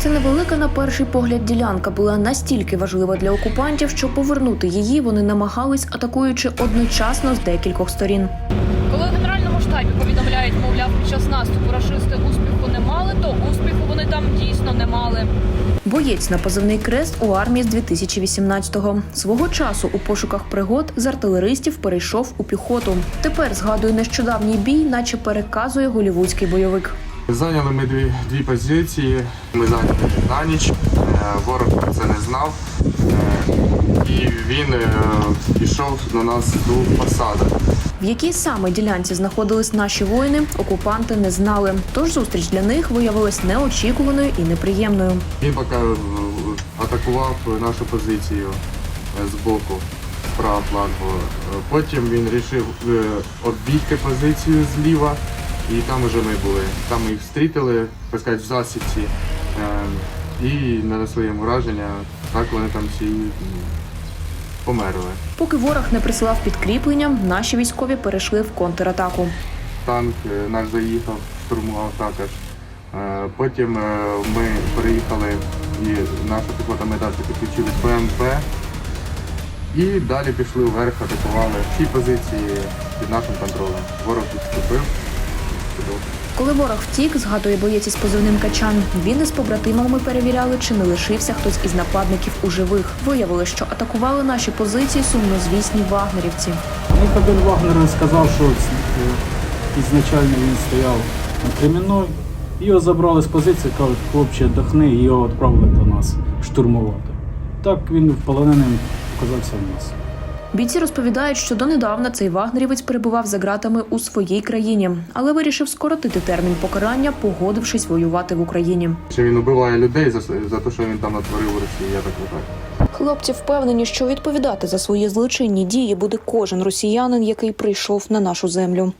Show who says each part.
Speaker 1: Ця невелика на перший погляд ділянка була настільки важлива для окупантів, що повернути її вони намагались, атакуючи одночасно з декількох сторін.
Speaker 2: Коли в Генеральному штабі повідомляють, мовляв, під час наступу рашисти успіху не мали, то успіху вони там дійсно не мали.
Speaker 1: Боєць на позивний «Крест» у армії з 2018-го. Свого часу у пошуках пригод з артилеристів перейшов у піхоту. Тепер згадує нещодавній бій, наче переказує голлівудський бойовик.
Speaker 3: Зайняли ми дві позиції. Ми зайняли на ніч. Ворог про це не знав. І він пішов на нас до посади.
Speaker 1: В якій саме ділянці знаходились наші воїни, окупанти не знали. Тож зустріч для них виявилась неочікуваною і неприємною.
Speaker 3: Він поки атакував нашу позицію з боку, з правого флангу. Потім він вирішив оббігти позицію зліва, і там вже ми були. Там ми їх зустріли, так сказати, в засідці, і нанесли їм ураження. Так вони там всі померли.
Speaker 1: Поки ворог не присилав підкріплення, наші військові перейшли в контратаку.
Speaker 3: Танк наш заїхав, штурмував також. Потім ми переїхали, і наша піхота ми далі підключили БМП. І далі пішли вверх, атакували всі позиції під нашим контролем. Ворог відступив.
Speaker 1: Коли ворог втік, згадує боєць із позивним «Качан», він із побратимами перевіряли, чи не лишився хтось із нападників у живих. Виявили, що атакували наші позиції сумнозвісні вагнерівці.
Speaker 4: Один Вагнер сказав, що ізначально він стояв на Кремінної. Його забрали з позиції, кажуть, хлопче, віддохни, і його відправили до нас штурмувати. Так він полоненим оказався в нас.
Speaker 1: Бійці розповідають, що донедавна цей вагнерівець перебував за ґратами у своїй країні, але вирішив скоротити термін покарання, погодившись воювати в Україні.
Speaker 3: Він убиває людей за те, що він там натворив у Росії, я так вважаю.
Speaker 1: Хлопці впевнені, що відповідати за свої злочинні дії буде кожен росіянин, який прийшов на нашу землю.